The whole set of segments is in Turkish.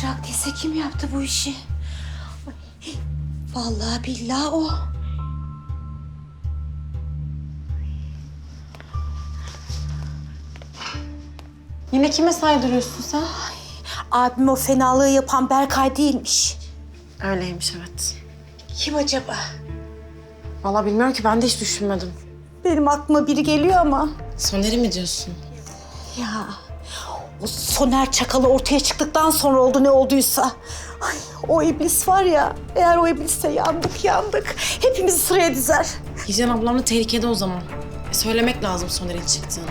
Çırak değilse kim yaptı bu işi? Ay, vallahi billahi o. Yine kime saydırıyorsun sen? Abim o fenalığı yapan Berkay değilmiş. Öyleymiş evet. Kim acaba? Vallahi bilmiyorum ki, ben de hiç düşünmedim. Benim aklıma biri geliyor ama. Soner'i mi diyorsun? Ya o Soner çakalı ortaya çıktıktan sonra oldu ne olduysa. Ay, o iblis var ya, eğer o iblisse yandık. Hepimizi sıraya dizer. Hicran ablam da tehlikede o zaman. Söylemek lazım Soner'in çıktığını.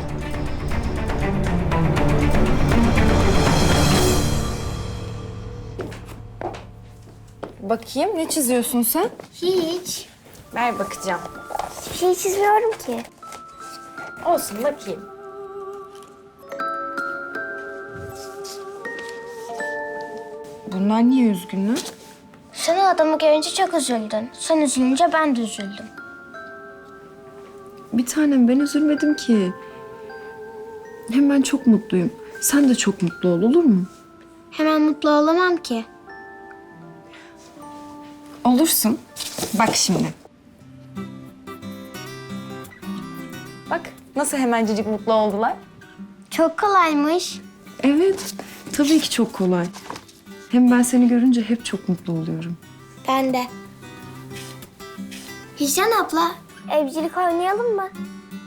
Bakayım, ne çiziyorsun sen? Hiç. Ver bakacağım. Hiçbir şey çizmiyorum ki. Olsun, bakayım. Bunlar niye üzgünler? Sen o adamı görünce çok üzüldün. Sen üzülünce ben de üzüldüm. Bir tanem, ben üzülmedim ki. Hem ben çok mutluyum. Sen de çok mutlu ol, olur mu? Hemen mutlu olamam ki. Olursun. Bak şimdi. Bak nasıl hemencecik mutlu oldular. Çok kolaymış. Evet, tabii ki çok kolay. Hem ben seni görünce hep çok mutlu oluyorum. Ben de. Hicran abla, evcilik oynayalım mı?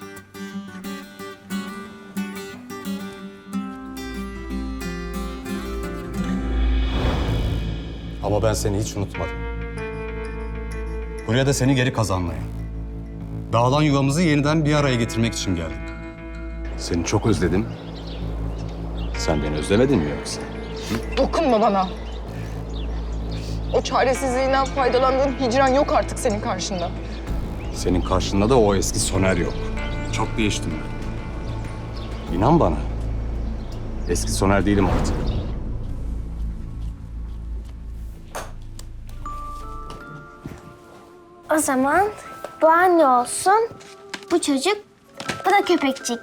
Ama ben seni hiç unutmadım. Buraya da seni geri kazanmaya. Dağılan yuvamızı yeniden bir araya getirmek için geldim. Seni çok özledim. Sen beni özlemedin mi yoksa? Dokunma bana. O çaresizliğinden faydalandığın Hicran yok artık senin karşında. Senin karşında da o eski Soner yok. Çok değiştim ben. İnan bana. Eski Soner değilim artık. O zaman bu anne olsun, bu çocuk, bu da köpekçik.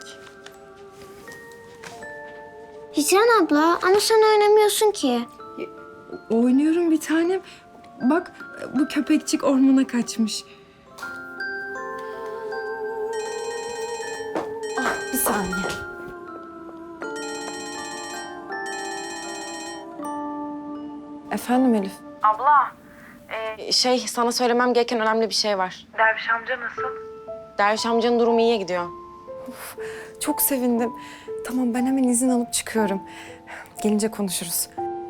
Hicran abla, ama sen oynamıyorsun ki. Oynuyorum bir tanem. Bak bu köpekçik ormana kaçmış. Bir saniye. Efendim Elif? Sana söylemem gereken önemli bir şey var. Derviş amca nasıl? Derviş amcanın durumu iyiye gidiyor. Çok sevindim. Tamam, ben hemen izin alıp çıkıyorum. Gelince konuşuruz.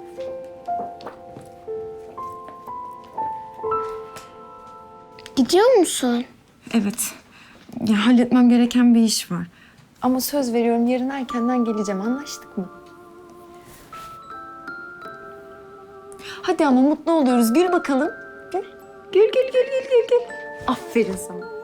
Gidiyor musun? Evet. Ya, halletmem gereken bir iş var. Ama söz veriyorum, yarın erkenden geleceğim. Anlaştık mı? Hadi ama mutlu oluyoruz. Gül bakalım. Gül. Gül. Aferin sana.